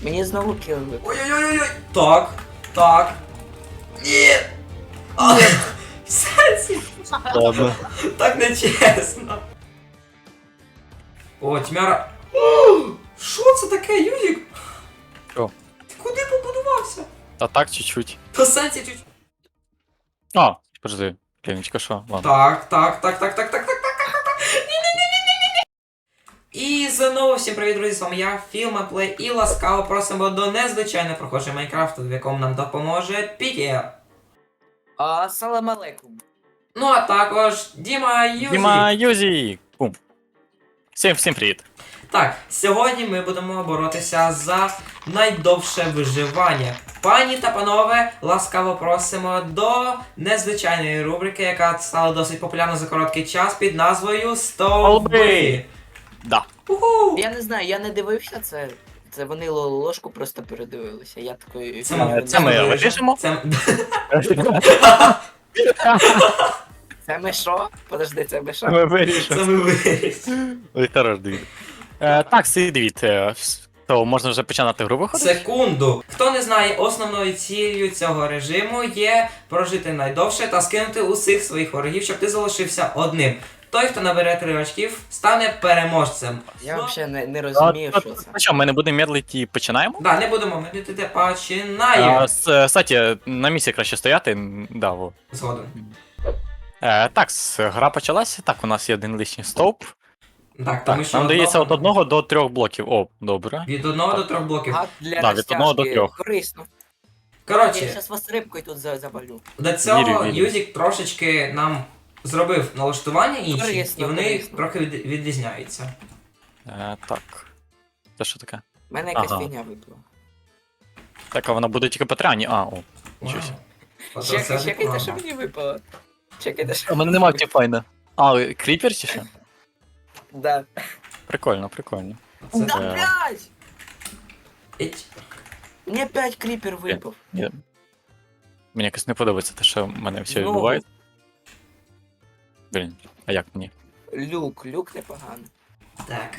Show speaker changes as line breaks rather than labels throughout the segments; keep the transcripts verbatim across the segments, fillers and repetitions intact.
Мені знову кіл випав.
Ой-ой-ой-ой! Так, так. Ні! А, в сенсі?
Ладно.
Так нечесно. О, тьмяра. О, що це таке, Юрік?
Що?
Ти куди побудувався?
Та так, чуть-чуть.
Та в сенсі чуть.
А, подожди. Клінічка, що? Ладно.
Так, так, так, так, так, так, так, так, так, так. Ні-ні-ні-ні-ні-ні. І знову всім привіт, друзі, з вами я, Філмаплей, і ласкаво просимо до незвичайно прохожого Майнкрафту, в якому нам допоможе Пітєр.
Ассалам алейкум.
Ну а також Діма Юзі.
Діма Юзі! Бум. Всім, всім привіт.
Так, сьогодні ми будемо боротися за найдовше виживання. Пані та панове, ласкаво просимо до незвичайної рубрики, яка стала досить популярна за короткий час під назвою Стовби.
Да.
Уху!
Я не знаю, я не дивився це. Це вони ло- ложку просто передивилися. Я такий.
Це
Е,
ми,
це ми
вирішимо.
вирішимо?
Це...
Це ми що? Подожди, це ми що?
Ми вирішимо.
Це ми вирішимо.
Ой, хорош, Давід. Е, так, всі дивіться. То можна вже починати гру виходити?
Секунду. Хто не знає, основною ціллю цього режиму є прожити найдовше та скинути усіх своїх ворогів, щоб ти залишився одним. Той, хто набере три очків, стане переможцем.
Я
Ну,
взагалі не, не
А,
розумію,
а,
що це.
Ну що, ми не будемо медлити і починаємо?
Да, не будемо медитити, починаємо.
А, с- Кстати, на місці краще стояти. м, Да, во.
Згодом.
Е, так, с- гра почалася. Так, у нас є один лишній стовп.
Так, тому
Так,
що
нам дається
одного-
від одного до трьох блоків. О, добре.
Від одного до трьох блоків.
А для
Да, від одного до
розтяжки
трьох.
корисно. Я
Коротше,
зараз вас рибкою тут за- завалю.
до цього
Вірю, вірю.
Юзік трошечки нам зробив налаштування інші,
Корисно,
і вони
корисно.
трохи від- відрізняються.
Е, так. Це що таке?
У мене якась
Ага.
фігня випала.
Так, а вона буде тільки по тряні. А, о. Нічого
Вау.
себе.
Ото
Чекай,
це
чекайте,
реклама.
що мені випало. Чекайте, що.
У мене немає тіпайна. А, кріпер чи що?
Да.
Прикольно, прикольно.
Це-
Да,
Е.
блядь!
Іть.
Мені п'ять кріпер випав.
Ні. Мені якось не подобається те, що в мене все
Знову.
відбувається. Блін, а як мені?
Люк, люк непогано.
Так.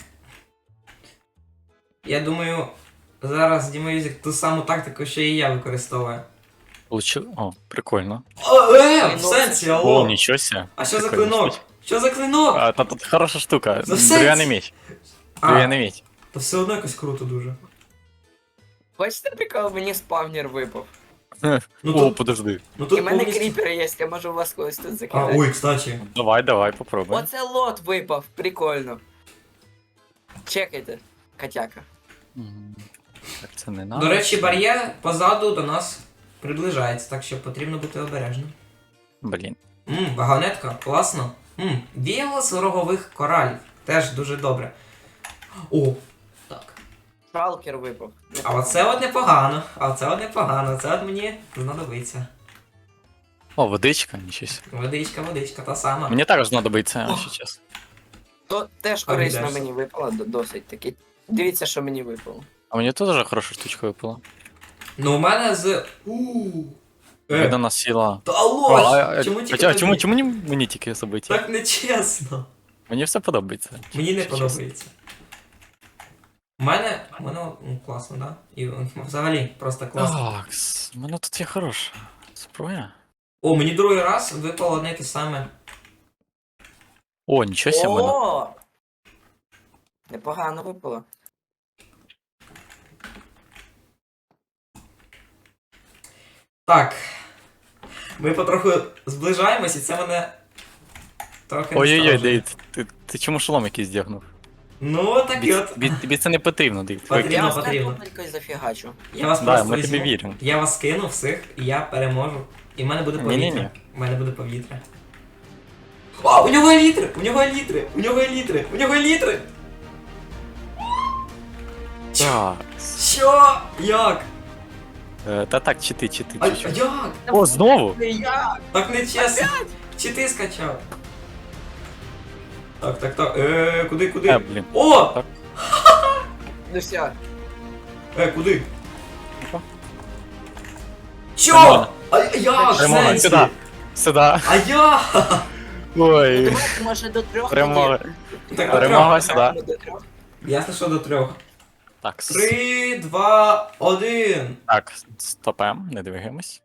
Я думаю, зараз Діма Юзік ту саму тактику, що і я використовую.
Получив? О, прикольно.
О, е, в
Клинок.
сенсі,
О,
алло.
нічого себе.
А що за
Прикольна
клинок?
штучка.
Що за клинок?
А, та тут хороша штука.
За сенс?
Дерев'яний меч.
А,
Дерев'яний меч.
то все одно якось круто дуже.
Бачите, прикол, мені спавнер випав.
Ну
О,
тут,
подожди.
ну
І
тут
в мене
повністю...
кріпери є, я можу вас когось тут
А,
закидати.
ой, кстати.
Давай, давай, попробуй.
Оце лот випав, прикольно. Чекайте, котяка.
М, Так, це не надо.
До речі, бар'єр позаду до нас приближається, так що потрібно бути обережним.
Блін.
Мм, вагонетка, класно. Мм, віялос рогових коралів. Теж дуже добре. О, так.
Шалкер випав.
А оце от непогано. А оце от непогано. Це от мені знадобиться.
О, водичка, нічого себе.
Водичка, водичка, та сама.
Мені також знадобиться, якщо чесно.
То теж
А,
корисно
віддашся.
мені випало, до- досить таки. Дивіться, що мені випало.
А мені теж хороша штучка випала.
Ну у мене з. Ууу. Е,
Видана сила.
та алло!
О, а, а,
чому
а,
тільки
а чому,
тобі?
чому мені, мені тільки собиті?
Так нечесно.
Мені все подобається.
Мені не
Якщо чесно.
подобається. У мене, у мене ну, класно, да? І взагалі просто класно.
Так, с- у мене тут є хороша зброя.
О, мені другий раз випало одне те саме.
О, нічого себе, в мене.
О! Непогано випало.
Так. Ми потроху зближаємось, і це мене трохи.
Ой-ой-ой,
насторожує.
Дейд, ти, ти чому шолом якийсь здягнув?
Ну, так і
Тобі,
от.
тобі, тобі це не потрібно, Дейд.
Потрібно.
Я вас
потрібно.
тупенько зафігачу.
Я вас
Да,
просто
ми
візьму.
тобі віримо.
Я вас кину всіх, і я переможу. І в мене буде повітря.
Ні-ні-ні.
У мене буде повітря. О, у нього є літри! У нього є літри! У нього є літри! У нього є літри!
Так.
Що? Як?
Е, Та так, чити, чити,
А, а
чуть-чуть.
як?
О, знову?
Я!
Так не чесно. Чи ти скачав? Так, так, так. Е, куди, куди?
Е, блін.
О!
Так.
Ну все.
Е, куди?
Опа.
Що?
Нормально.
А як?
Перемога,
Сенсі?
сюди. Сюди.
А як?
Ой.
Давайте, може, до трьох
Перемога.
Так, до
Перемога
трьох.
сюди.
До трьох.
Ясно, що до трьох.
Так, с-
Три, два, один.
так, стопем, не двигаємось.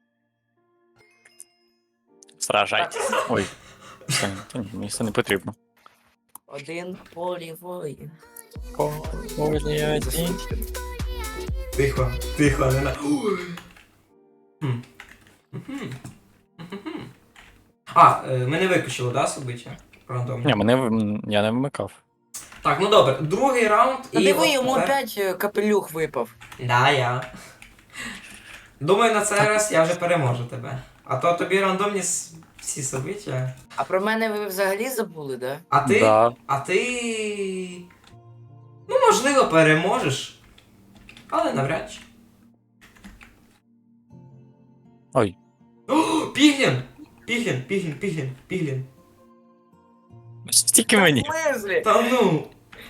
Сражайтесь. Ой, все, та ні, мені це не потрібно.
Один полі воїн.
Полі один.
Тихо, тихо, не на. Ой. Хм. Мгм. Мгм. А, е, ми не виключили, да, собиття? Рандомно.
Ні, мене в- я не вмикав.
Так, ну добре, другий раунд
Та
і.
диви,
от
йому
тепер-
опять е, капелюх випав.
Да, я. Думаю, на цей раз я вже переможу тебе. А то тобі рандомні с- всі собиття.
А про мене ви взагалі забули, да?
А ти.
Да.
А ти. Ну, можливо, переможеш. Але навряд чи.
Ой,
О, Піглін! Піглін, Піглін, Піглін, Піглін.
стільки мені.
В смислі?
Та ну.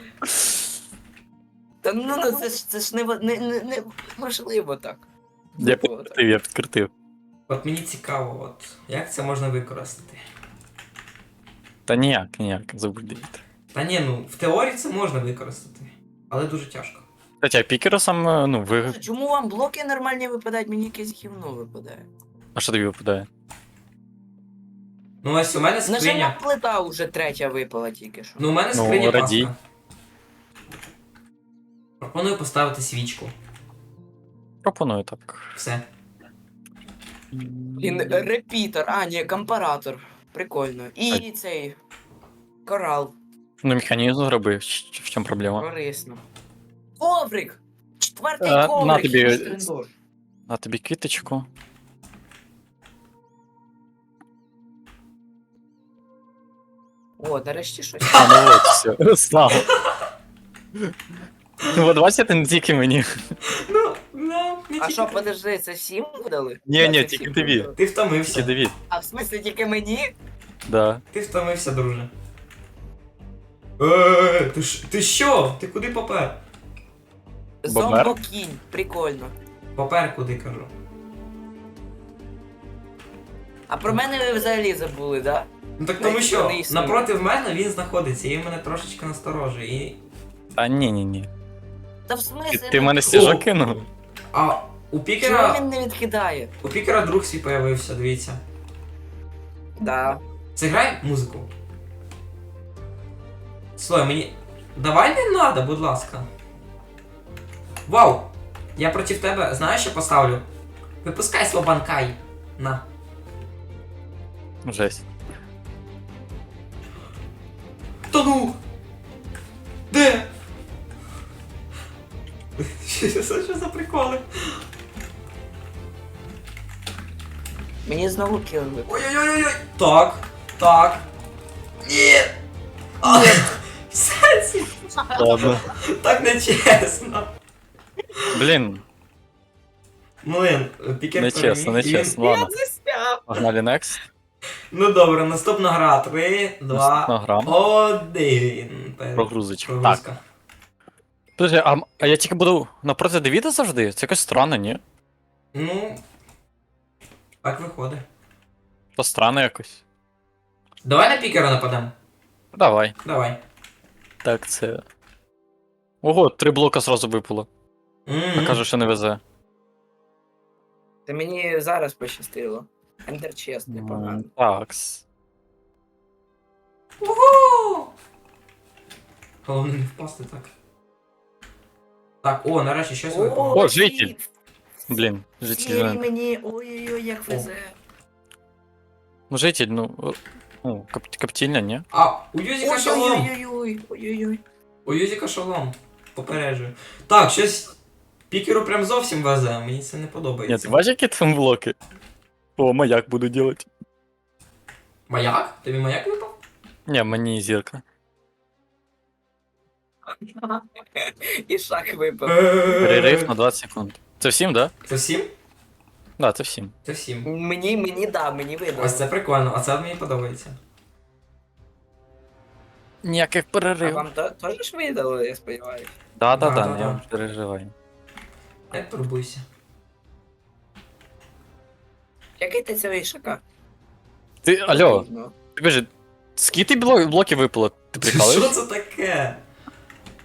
Та ну, ну це ж це ж не, во- не, не, не можливо так.
Я підкрутив, я підкрутив.
От мені цікаво, от як це можна використати.
Та ніяк, ніяк, забудіть.
Та ні, ну в теорії це можна використати, але дуже тяжко.
Кстати, а пікеросам, е, ну, ви...
Чому вам блоки нормальні випадають, мені якесь гівно випадає?
А що тобі випадає?
Ну ось у мене
Нажимна
скриня.
плита вже третя випала тільки що.
Ну у мене
Ну,
скриня
радій.
паска. Пропоную поставити свічку.
Пропоную так.
Все.
Він репітер, а, ні, компаратор. Прикольно. І цей корал.
Ну, механізм зробив, в в чому проблема?
Корисно. Коврик! Четвертий
Е, на
коврик!
тобі-
який штрендош.
На тобі квіточку.
О, нарешті щось.
А, ну от, все. Слава. Ну, от бачите, не тільки мені.
Ну, ну, не
А
тільки
що,
ти.
подожди, це всім видали?
Ні,
Да,
ні,
це
тільки
всім
тобі.
видали.
Ти
Тільки
втомився.
Давід.
А в смислі тільки мені?
Да.
Ти втомився, друже. Е, ти ж ти що? Ти куди попер?
Бомбер?
Зомбокінь, прикольно.
Попер куди кажу.
А про мене ви взагалі забули, да?
Ну так тому
Навіть
що
не існує.
напроти мене він знаходиться і він мене трошечки насторожує. І...
Та ні, ні, ні.
Та в
Ти,
смислі?
ти в мене
О!
стіжок кинув?
А у
Чому
пікера.
він не відкидає?
У пікера друг свій появився, дивіться.
Да.
Зіграй музику. Слухай, мені. Давай не надо, будь ласка. Вау! Я проти тебе, знаєш, що поставлю? Випускай слабанкай. На.
Жесть.
Та ну! Де? Що це що за приколи?
Мені знову кілили.
Ой-ой-ой-ой! Так, так. Ні! А, в сенсі?
Ладно.
Так не чесно.
Блін,
Млин, пікер
не чесно, не
переміг, і він-
чесно. Ладно,
засняв.
погнали next.
Ну добре, наступна гра. Три,
Наступна
два,
гра.
один. Пер-
Прогрузочка. Так.
Прогрузка.
Подожди, а, м- а я тільки буду напроти Девіда завжди? Це якось странно, ні?
Ну. Так виходить.
То странно якось.
Давай на пікера нападемо.
Давай.
Давай.
Так, це. Ого, три блока зразу випало.
М-м.
А каже, що не везе.
Та мені зараз пощастило. Ендер чест, непогано.
М, Такс.
Угу! Головне не впасти так. Так, о, нарешті щось випало.
О, житель. Блін, житель.
Сірі
реально.
мені, ой-ой-ой, як везе.
Ну, житель, ну. о, Ну, кап- коптільня, ні?
А, у Юзіка шолом!
Ой-ой-ой, ой-ой-ой.
У Юзіка шолом. Попереджую. Так, щось пікеру прям зовсім везе, мені це не
Ні, ти
подобається.
бачиш, які там блоки? О, маяк буду делать.
Маяк? Тобі маяк випав?
Ні, мені зірка.
І шаг випав.
Перерив на двадцять секунд. Це всім, да?
Це всім?
Да, це всім.
Це всім.
Мені, мені, да, мені видно.
Ось це прикольно, а це мені подобається.
Ніяких
А
переривів.
вам то- теж ж видали, я сподіваюся.
Да, да,
Да,
да,
да,
я
да.
переживаю.
Не турбуйся.
Який ти цього ішака?
Ти, алло, ти кажи, скільки бло- блоків випало? Ти
Що
прикалуєш?
це таке?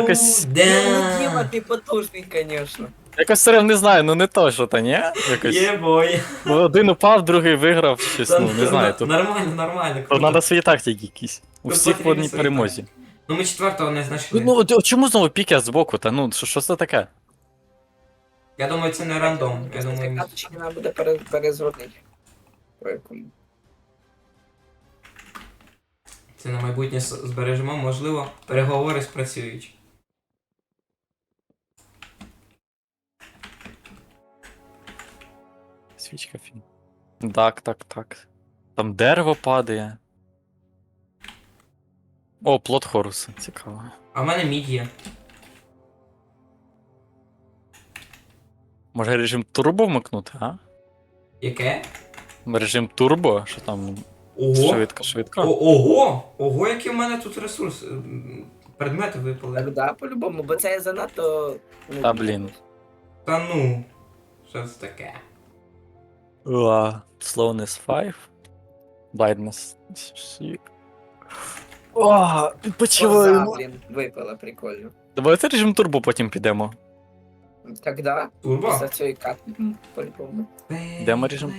якось-
Ну,
да.
Діма, ти потужний, звісно.
Якось все одно не знаю, ну не то, що то, ні? Якось.
Є бой.
Ну, один упав, другий виграв, щось,
Та,
ну, не знаю.
н-
Тут,
Нормально, нормально.
тут
круто.
треба свої тактики якісь. У
Тут
всіх по
потрібні
одній
свої
перемозі.
Ну ми четвертого не знайшли.
Ну, от, от чому знову піки збоку? Та ну, що, що це таке?
Я думаю, це не рандом. Я думаю,
Карточки треба буде пере- перезробити. По якому.
це на майбутнє с- збережемо, можливо, переговори спрацюють.
Свічка фін. Так, так, так. Там дерево падає. О, плод Хоруса, цікаво.
А в мене мід є.
Може режим турбо вмикнути, а?
Яке?
Режим турбо, що там
Ого!
швидко,
О,
швидко.
ого! Ого, які в мене тут ресурси. м, Предмети випали.
Так, да, по-любому, бо це занадто. ну,
Та, блін.
Та ну. Що це таке?
Уа, Slowness п'ять. Blindness. О,
Коза,
відпочиваємо.
блін, випала, прикольно.
Давайте режим турбо потім підемо.
Тогда,
Турбо?
після цієї карти, м, по-любому.
Демо режим.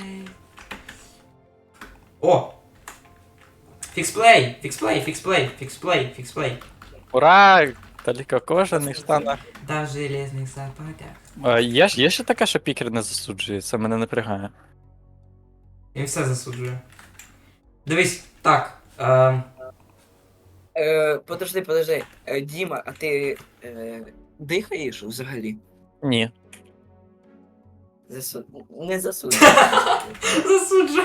О! Фіксплей! Фіксплей, фіксплей, фіксплей, фіксплей.
Ура! Таліка кожаний штанах.
Да в железних западах.
А, є, ж- є ще таке, що пікер не засуджує, це мене напрягає.
Він все засуджує. Дивись, так. Ем,
Е, подожди, подожди. Е, Діма, а ти е, дихаєш взагалі?
Ні.
Засу... Не засуджуй.
засуджує.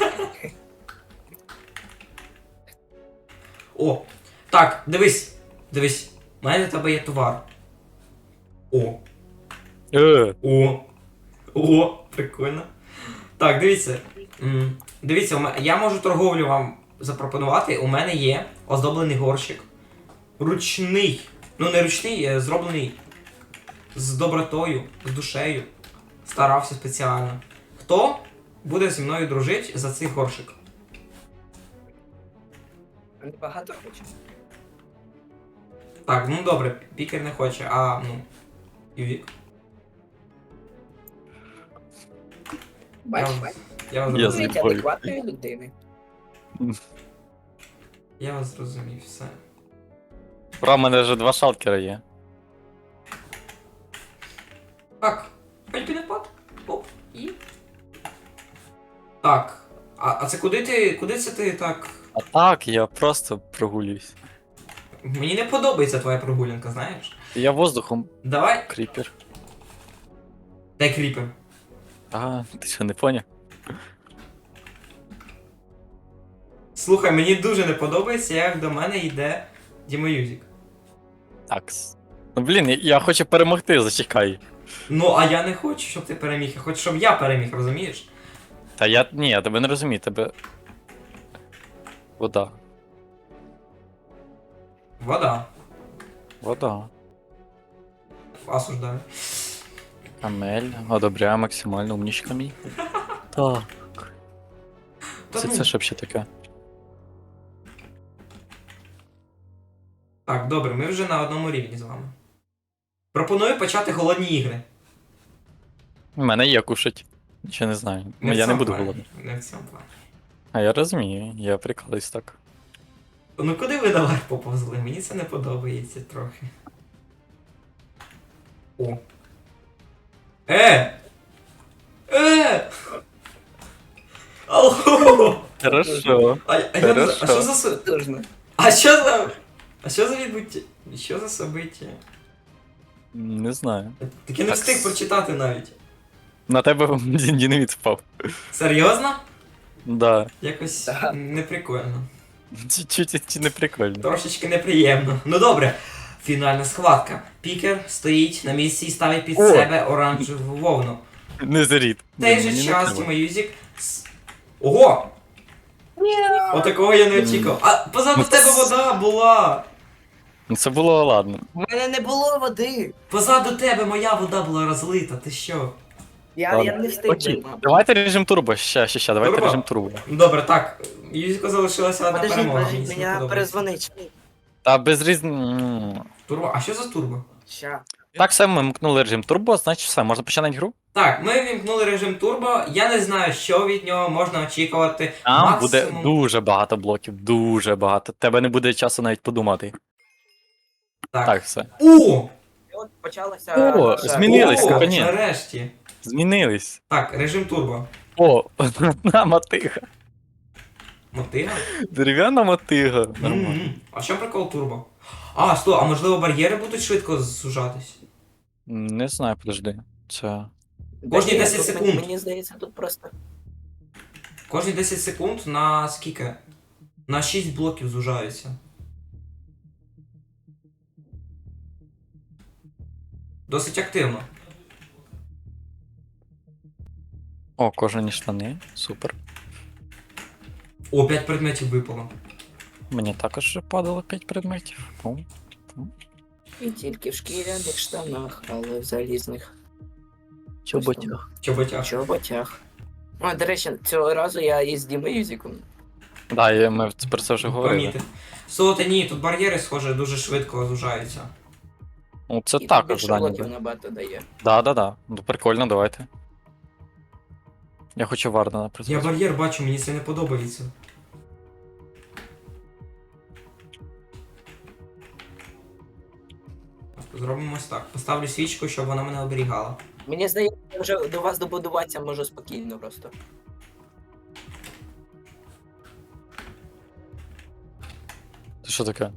О! Так, дивись. Дивись. У мене для тебе є товар. О!
Е,
О! О! Прикольно. Так, дивіться. М, Дивіться, у ме- я можу торговлю вам запропонувати. У мене є оздоблений горщик. Ручний. Ну не ручний, е, зроблений з добротою, з душею. Старався спеціально. Хто буде зі мною дружити за цей горщик?
Багато хочеш?
Так, ну добре, пікер не хоче, а ну. Ювік.
Бач,
Я-
бач.
Я вас
Я
зрозумів.
Навіть
зліпою.
адекватної людини.
Я вас зрозумів, все.
Ура, в мене вже два шалкера є.
Так, хоч пінепад. Оп, і. Так. А, а це куди ти. Куди це ти так.
А так, я просто прогулююсь.
Мені не подобається твоя прогулянка, знаєш?
Я воздухом
Давай.
кріпер.
Дай кріпер.
А, ти що, не поняв?
Слухай, мені дуже не подобається, як до мене йде Діма Юзік.
Такс. Ну блін, я, я хочу перемогти, зачекай.
Ну, а я не хочу, щоб ти переміг, я хочу, щоб я переміг, розумієш?
Та я. Ні, я тебе не розумію, тебе. Вода.
Вода.
Вода.
Осуждаю.
Амель, одобряю максимально умнічка мій. Так.
Та
Це,
ну.
це що ще таке?
Так, добре, ми вже на одному рівні з вами. Пропоную почати голодні ігри.
У мене є кушать. Ще не знаю.
Не в
я не
цьому
буду
плані,
голодний.
Не в цьому плані.
А я розумію, я прикладаюсь так.
Ну куди ви давай поповзли? Мені це не подобається трохи. О. Е! Е! Алло!
Хорошо.
А, а, я не знаю, а що
Хорошо.
за с-
Потужно.
А що за. А що за відбуття? Що за собиття?
Не знаю.
Так я не
Так.
встиг прочитати навіть.
На тебе динаміт впав.
Серйозно?
Да.
Якось
Так.
неприкольно.
Чуть-чуть не прикольно.
Трошечки неприємно. Ну добре. Фінальна схватка. Пікер стоїть на місці і ставить під
О!
себе оранжеву вовну.
Не зарід.
В той же час Тіма Юзік. с- Ого! Отакого я не очікував. А позаду тебе вода була!
Ну це було ладно.
У мене не було води.
Позаду тебе моя вода була розлита, ти що?
Я,
Ладно.
я не встиг.
Окей,
би, мабуть.
давайте режим турбо. Ща, ща, ща, давайте
Турбо?
режим турбо.
Добре, так. Юзіку залишилася одна
Подожди,
перемога.
подожди,
мені це не
мене
подобається.
перезвонить.
Та без різн...
Турбо, а що за турбо?
Ща.
Так, все, ми мкнули режим турбо, значить все, можна починати гру.
Так, ми вімкнули режим турбо. Я не знаю, що від нього можна очікувати.
Там буде
Максимум.
дуже багато блоків, дуже багато. Тебе не буде часу навіть подумати.
Так.
Так, все.
О!
І от почалося.
О,
наша-
змінились,
О,
наконець.
нарешті.
Змінились.
Так, режим турбо.
О, одна мотига.
Мотига?
Дерев'яна мотига. Нормально.
М-м. А що прикол турбо? А, сто, а можливо бар'єри будуть швидко зужатись?
Не знаю, подожди. Це.
Кожні
Ні,
десять
тут,
секунд.
Мені здається, тут просто.
Кожні десять секунд на скільки? На шість блоків зужаються. Досить активно.
О, кожані штани. Супер.
О, п'ять предметів випало.
Мені також вже падало п'ять предметів. О.
І тільки в шкіряних штанах, але в залізних
Чоботях.
Чоботяг.
чоботях. О, до речі, цього разу я із Дімою Юзіком.
Да, я- ми про це вже говорили.
Помітив. Солоте, ні, тут бар'єри, схоже, дуже швидко зужаються.
Ну, це
І тут
також
більше
здання.
блоків
буде.
набагато дає.
Да, да, да. Ну прикольно, давайте. Я хочу Вардена
Я
призвати.
бар'єр бачу, мені це не подобається. Зробимо ось так. Поставлю свічку, щоб вона мене оберігала.
Мені здається, я вже до вас добудуватися можу спокійно просто.
Це що таке?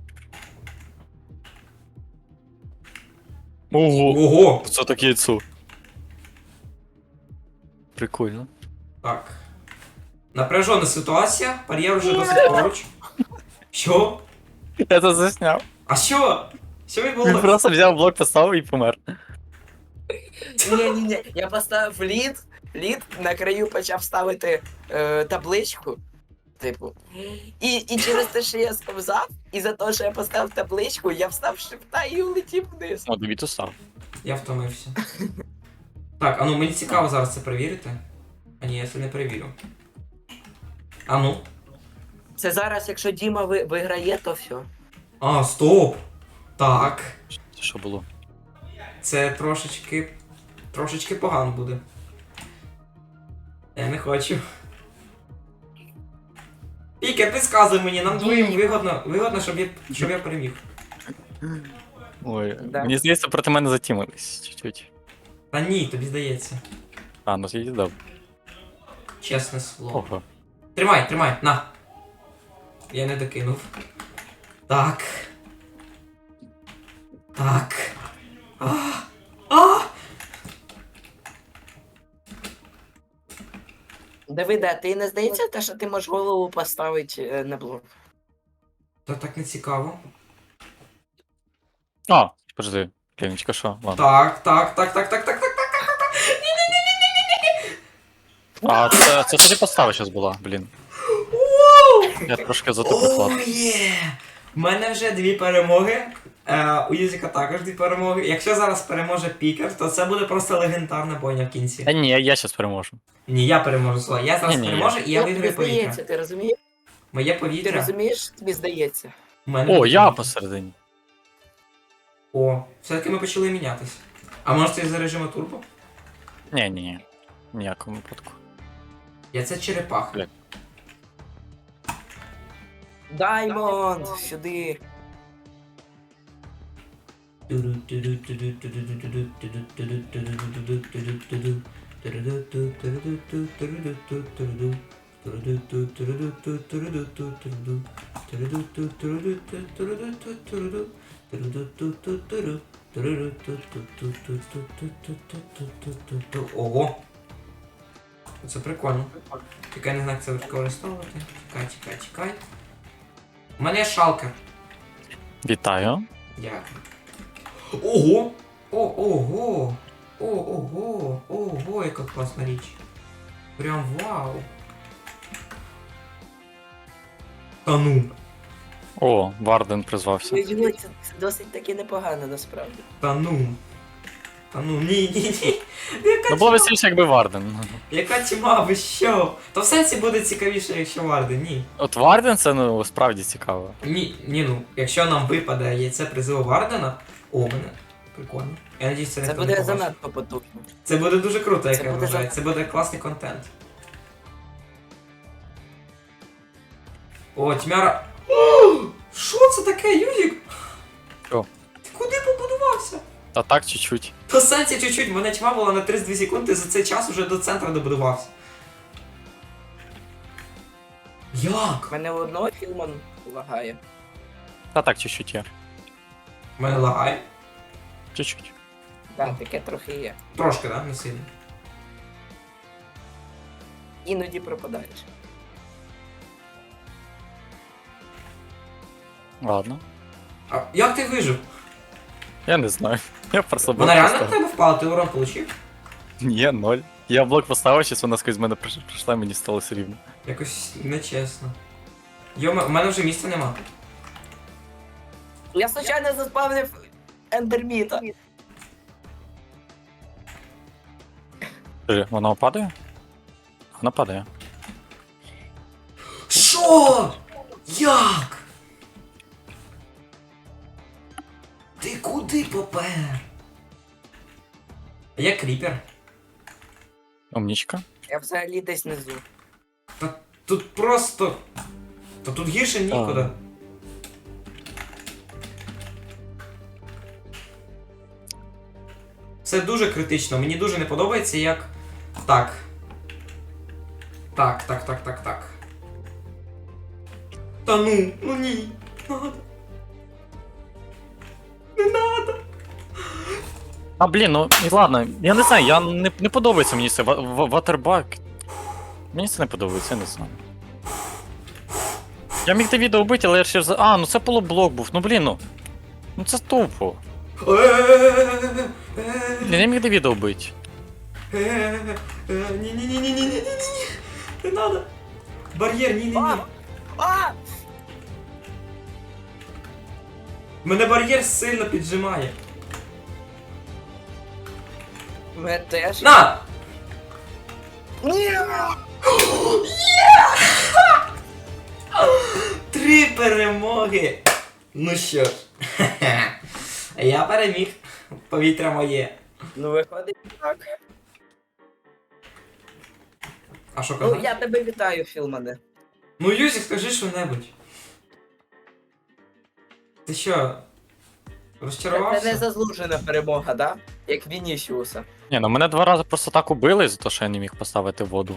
Ого!
Ого!
Це таке яйцо. Прикольно.
Так. Напряжена ситуація, бар'єр вже досить поруч. Що?
Я це засняв.
А що? Що
Він
відбулося?
просто взяв блок, поставив і помер.
Ні, ні, ні. Я поставив лід, лід на краю почав ставити е, табличку. Типу. І, і через те, що я сковзав, і за те, що я поставив табличку, я встав з шифта і улетів вниз.
О, тобі то став.
Я втомився. Так, а ну мені цікаво зараз це перевірити. А ні, я це не перевірю. А ну.
Це зараз, якщо Діма ви, виграє, то все.
А, стоп! Так.
Це що було?
Це трошечки. Трошечки погано буде. Я не хочу. Пікер, підказуй мені, нам двоїм вигодно, вигодно, щоб я, щоб я переміг.
Ой,
Да.
мені здається, проти мене затімились чуть-чуть.
Та ні, тобі здається.
А, ну я дав.
Чесне слово.
Ого.
Тримай, тримай, на. Я не докинув. Так. Так. А. А.
Давиде, а ти не здається, те, що ти можеш голову поставити е, на блок?
Та так не цікаво.
А, подожди. Клінічка, що? Ладно.
Так, так, так, так, так, так, так.
А, це, це тоді постава зараз була, блін. Я трошки затопив
О,
лад.
є! У мене вже дві перемоги. Е, у Юзіка також дві перемоги. Якщо зараз переможе Пікер, то це буде просто легендарна бойня в кінці.
Та ні, я зараз переможу.
Ні, я переможу Слава. Я зараз
Ні-ні,
переможу і я
Ну,
виграю
тобі
повітря.
здається, ти розумієш?
Моє
Ти
повітря.
розумієш, тобі здається.
У мене
О, я
повітря.
посередині.
О, все-таки ми почали мінятись. А може це за режиму турбо?
Ні, ні, ні. Ніякому випадку.
Я це черепаха.
Бля.
Даймонд, сюди.
Ого. Це прикольно. Тільки я не знаю, як це використовувати. Чекай, чекай, чекай. У мене є шалкер.
Вітаю.
Дякую. Ого! О, ого! О, ого! Ого, яка класна річ. Прям вау. Та ну.
О, Варден призвався.
Ой, це, це досить таки непогано насправді.
Та ну. Та ну, ні, ні, ні. Яка
Ну було
тьма?
веселіше, якби Варден.
Яка тьма, ви що? То в сенсі буде цікавіше, якщо Варди, ні.
От Варден це ну справді цікаво.
Ні, ні, ну, якщо нам випаде яйце призиву Вардена, о, мене. Прикольно. Я надіюсь, це
Це
ніхто не
буде
побачить.
занадто потужно.
Це буде дуже круто, як
Це
я
буде
вважаю.
за-
Це буде класний контент. О, тьмяра. О, що це таке, Юрік?
Що?
Ти куди побудувався?
Та так чуть-чуть.
По сенсі чуть-чуть, в мене тьма була на тридцять дві секунди, за цей час уже до центру добудувався. Як?
У мене у одного фільму лагає.
Та так чуть-чуть є.
У мене лагає.
Чуть-чуть.
Так, таке трохи є.
Трошки, да? Не сильно.
Іноді пропадаєш.
Ладно.
А як ти вижив?
Я не знаю. Я просто
Вона
блок
реально в
поставив.
тебе впала, ти урон получив?
Ні, ноль. Я блок поставив, щось вона скрізь мене приш- прийшла, мені стало все рівно.
Якось нечесно. Йома, у мене вже місця нема.
Я случайно заспавнив ендерміта.
Скажи, вона падає? Вона падає.
Що? Як? Ти куди попер? Я кріпер.
Умнічка.
Я взагалі десь внизу.
Та тут просто. Та тут гірше нікуди. Це дуже критично. Мені дуже не подобається, як. Так. Так, так, так, так, так. Та ну, ну ні. Надо. Не надо.
А блін, ну і ладно, я не знаю, я не, не подобається мені це ва- ва- ватербак. Мені це не подобається, я не знаю. Я міг те відео вбити, але я ще за. А, ну це полублок був, ну блін, ну. Ну це тупо. Блін, я міг те відео вбити.
Ні-ні-ні-ні-ні-ні-ні-ні. Не надо. Бар'єр, ні-ні-ні.
А! А!
Мене бар'єр сильно піджимає.
Мене теж.
На!
Ні!
Три перемоги! Ну що ж, я переміг. Повітря моє.
Ну виходить так.
А що
Ну
казати?
я тебе вітаю, Філмане.
Ну Юзік, скажи що-небудь. Ти що?
Це
Розчарувався?
не заслужена перемога, да? Як Вінісіуса.
Ні, ну мене два рази просто так убили за те, що я не міг поставити воду.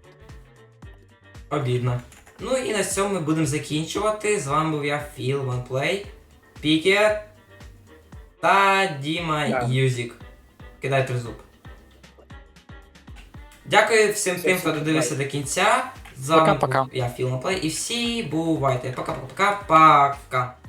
Обідно. Ну і на цьому ми будемо закінчувати. З вами був я, Філ OnePlay, Пікер та Діма
Да.
Юзік. Кидай тризуб. Дякую всім
Все,
тим, хто
всім
додивився
бувай.
до кінця. З вами
Пока-пока.
був я, Філ OnePlay, і всі бувайте. Пока-пока-пока.